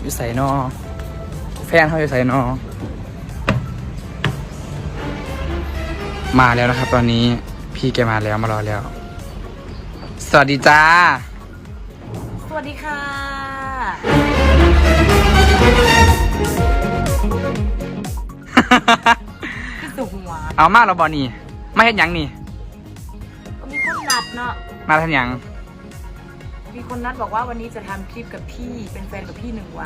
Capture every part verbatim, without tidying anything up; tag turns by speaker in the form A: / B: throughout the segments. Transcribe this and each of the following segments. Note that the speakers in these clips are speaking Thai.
A: อยู่ใส่นอแฟนเขาอยู่ใส่นอมาแล้วนะครับตอนนี้พี่แกมาแล้วมารอแล้วสวัสดีจ้า
B: สวัสดีค่ะพี่สุหัว
A: เอามาเราบอนี่ไม่เห็นยังนี่
B: ก็มีคนนัดเนาะ
A: มาทำยัง
B: มีคนนัดบอกว่าวันนี้จะทำคลิปกับพี่เป็นแฟนกับพี่หนึ่งวัน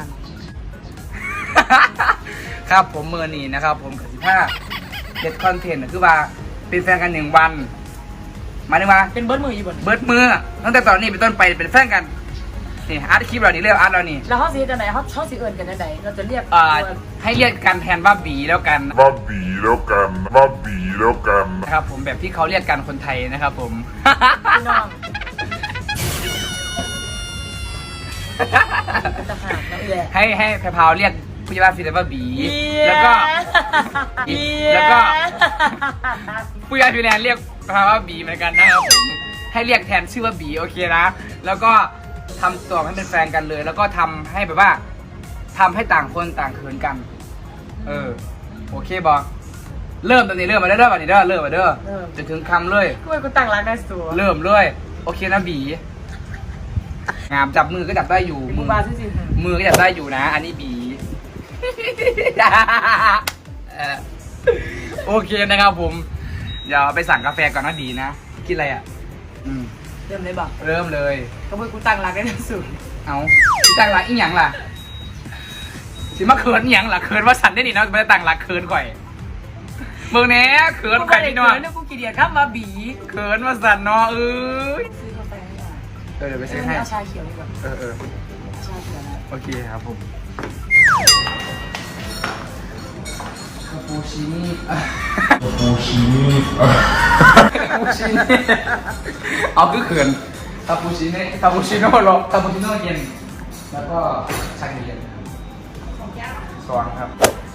A: ครับผมเมื่อนี้นะครับผมกับสิบห้าเด็ดคอนเทนต์คือว่าเป็นแฟนกันหนึ่งวันหมายถึงว่า
B: เป็นเบิร์ดมืออยู่บน
A: เบิร์ดมือตั้งแต่ตอนนี้เป็นต้นไปเป็นแฟนกันนี่อาร์ตคลิปเรานี่เรียกอาร์ตเรานี่
B: แล้วเขาสีจะไหนเขาเขาสีเอิญกันไหนเราจะเรียก
A: อ่าให้เรียกกันแทนว่าบีแล้วกัน
C: ว่าบีแล้วกันว่าบีแล้วกัน
A: นะครับผมแบบที่เขาเรียกกันคนไทยนะครับผม
B: พี่น้อง
A: ให้ให้แพรพาวเรียกผู้ใหญ่บ้านฟิลเลอร์ว่าบีแล้วก็แล้วก็ผู้ใหญ่ฟิลแลนด์เรียกแพรพาวว่าบีเหมือนกันนะครับผมให้เรียกแทนชื่อว่าบีโอเคนะแล้วก็ทำตัวให้เป็นแฟนกันเลยแล้วก็ทำให้แบบว่าทำให้ต่างคนต่างเขินกันเออโอเคบอเริ่มตอนนี้เริ่มมาได้เริ่มมาเด้อเริ่มมาเด้อจะถึงคำเลย
B: กูกูตั้งรักได้สัว
A: เริ่มเลยโอเคนะบีงามจับมือก็จับได้อยู่
B: มือมาสิ
A: มือก็จับได้อยู่นะอันนี้บีโอเคนะครับผมเดี๋ยวไปสั่งกาแฟก่อนนะบีนะกินอะไรอ่ะอืม
B: เริ่มเลยบอก
A: เริ่มเลย
B: ก็เพื่อกูตั้งรักได้สุด
A: เอาที่ตั้งรักอีหยังล่ะสิมาเขินอีหยังล่ะเขินว่าสันได้ดิเนาะไม่ได้ตั้งรักเขินก่อยมึงเนี้ยเขินใครนี่เนาะ
B: เขินกูกี่เดียครับมาบี
A: เขินว่าสันเนาะเอ้ย
B: ซื้อกาแฟให้หน่อย
A: เออเดี๋ยวไปซื้อให้
B: เอาชาเขียวดีกว่า
A: เออเออ
B: ชาเขียวนะ
A: โอเคครับผมคาปูชินี่คาปูชินี่คาปูชินี่เอาคือเขินคาปูชินี่คาปูชิโน่ร้อนคาปูชิโน่เย็นแล้วก็ชาเย็นสองครับ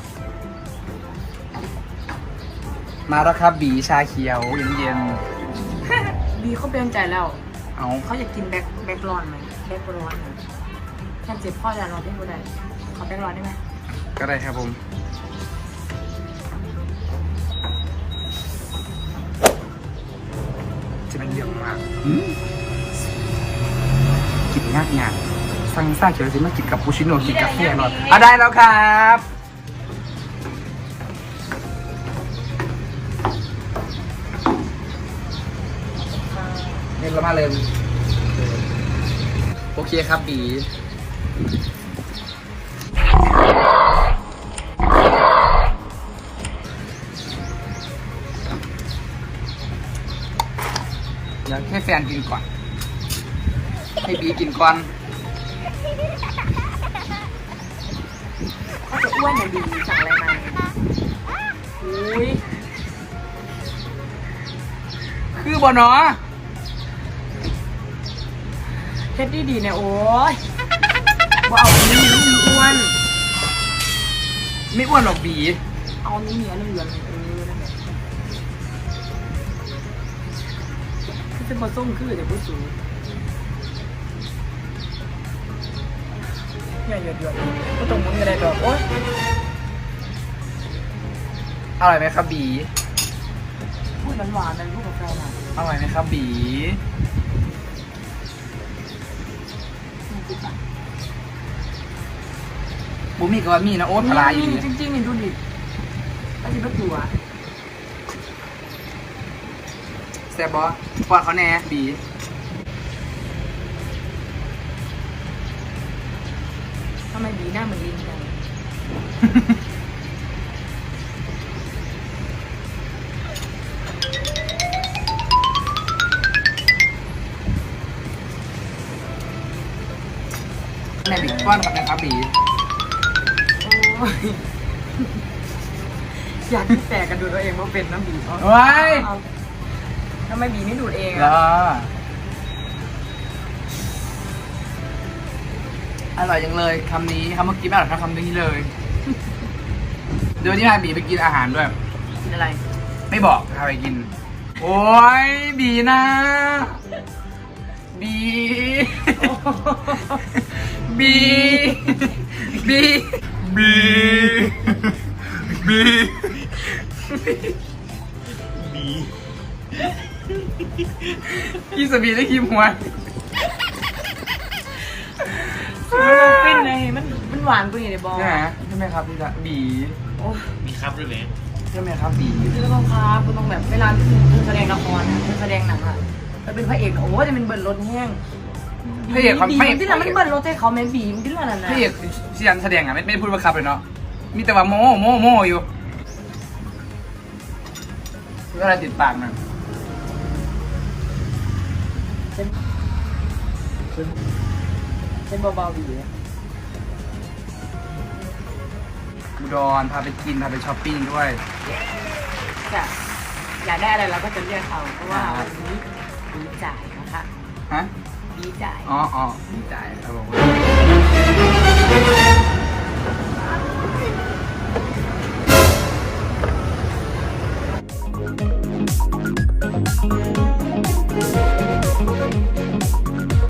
A: มาแล้วครับบีชาเขียวเย็น
B: ๆบีเขาเปลี่ยนใจแล้ว
A: เอา
B: เขาอยากกินแบ็คแบ็คร้อนไหมแบ็คร้อนแค่เจ็บพ่อจะรอที่กูได้ขอแบ็คร้อนได้ไหม
A: ก็ได้ครับผมจะเป็นเรื่องมากกินงากงานสั่งซ่าเขียวสิมากินกับปูชิโน่กินกาแฟหน่อยอ่ะได้แล้วครับเรียบร้อยมาเลยโอเคครับบีเดี๋ยวให้แฟนกินก่อนให้บีกินก่อน
B: เขาจะอ้วนอย่างดีสั่งอะไรมาอุ้ย
A: คือบ่เนาะ
B: เฮ็ดดีดีเนี่ยโอ้ยว่าเอาอันนี้มันอ้วน
A: ไม่อ้วนหรอกบี
B: เอานี้เหนียวเหลืองเออนั่นแหละคือจะมาส้มคือเดี๋ยวผู้สูงเนี่ยหยดหยดก็ตรงมุ้งอะไรดอกโอ๊ย
A: อร่อยไหมครับบี
B: พูดหวานๆนะลูกกาแฟน่ะ
A: อร่อยไหมครับบีบุมีก็มีนะโอ๊ตพลายอยู่
B: จริงๆนี่ดูดิแล้วจะไม่ตัว
A: แซ่บบอปอดเขาแน่บี
B: ทำไมบีหน้าเหมือนลิงจัง
A: แม่บีป้อนกับนะครับบี
B: อยากที่แตกกันดูตัวเองว่าเป็นน้ำบี
A: ว้าย
B: ทำไมบีไม่ดูดเอง
A: อ่ะอร่อยจังเลยคำนี้คำเมื่อกี้ไม่อร่อยเท่าคำนี้เลยเดี๋ยวนี้พาบีไปกินอาหารด้วย
B: กินอะไร
A: ไม่บอกพาไปกินโอ้ยบีนะบีบีบีบีบี
D: บี
A: พี่สบีได้คิมหัว
B: มันเป็นไงมันมันหวานกว่านี้เลยบอล
A: ใช่ไหมใช่ไหมครับพี่ละบี
B: โอ้
D: มีครับด้วยไหม
A: ใช่ไหมครับบี
B: คือต้องครับคือต้องแบบเวลาคือแสดงละครอ่ะคือแสดงหนังอ่ะจะเป็นพระเอกโอ้จะเป็นเบิร์ดรถแห้ง
A: พระเอกเขา
B: บี
A: ไม่
B: ที่เราไม่เบิร์ดรถให้เขาแม่บีมันที่เรานั่น
A: พ
B: นะ
A: ระเอกเซียนแสดงอ่ะไม่ไม่ได้พูดว่าครับเลยเนาะมีแต่ว่าโมโมโมอยู่ก็อะไรติดปากมัน
B: เช่นเช่นเบาๆบี
A: อุดรพาไปกินพาไปช้อปปิ้งด้วย
B: จะอยากได้อะไรเราก็จะเรียกเขาเพราะว่าวันนี้บีจ่ายนะคะ
A: ฮะ
B: บีจ่าย
A: อ๋ออ๋อดีใจครับผม